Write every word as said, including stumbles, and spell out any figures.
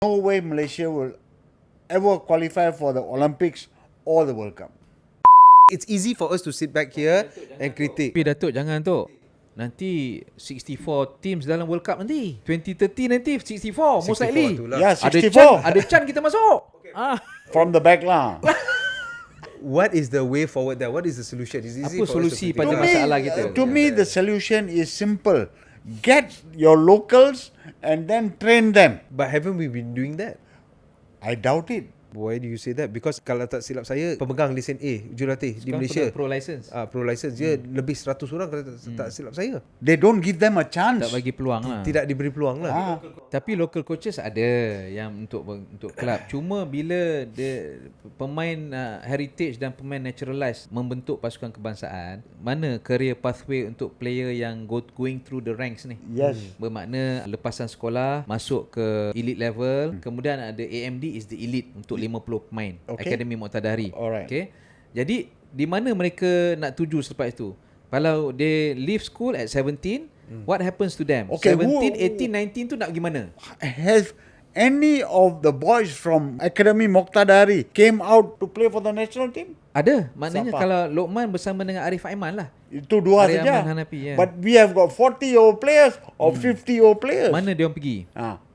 No way Malaysia will ever qualify for the Olympics or the World Cup. It's easy for us to sit back here and critique. Tapi Datuk jangan tu. Nanti sixty-four teams dalam World Cup nanti. twenty thirty nanti sixty-four most likely. tu lah. Yeah, Ada sixty-four. Chan, ada Chan kita masuk. Ah. From the back lah. What is the way forward there? What is the solution? It's easy Apa for us to solusi critique. pada To me, masalah kita? to me, the solution is simple. Get your locals and then train them. But haven't we been doing that? I doubt it. Why do you say that? Because kalau tak silap saya, pemegang lesen A jurulatih di Sekarang Malaysia, pro license. ah pro license dia lebih seratus orang kalau tak, tak silap saya. They don't give them a chance. Tak bagi peluang lah. Tidak diberi peluang lah. Ah. Tapi local coaches ada yang untuk untuk kelab. Cuma bila dia pemain uh, heritage dan pemain naturalized membentuk pasukan kebangsaan, mana career pathway untuk player yang go, going through the ranks ni? Yes. Bermakna lepasan sekolah masuk ke elite level, kemudian ada A M D is the elite untuk lima puluh pemain, Okay. Akademi Muqtadari. Alright. Okay. Jadi di mana mereka nak tuju selepas itu? Kalau they leave school at seventeen, what happens to them? Okay, seventeen, who- eighteen, nineteen tu nak pergi mana? Has any of the boys from Academy Moqtadari came out to play for the national team? Ada. Maknanya Siapa? kalau Lokman bersama dengan Arif Aiman lah. Itu dua Arif saja. Ahmad Hanafi, ya. But we have got forty year old players or fifty year old players. Mana dia orang pergi? Ah.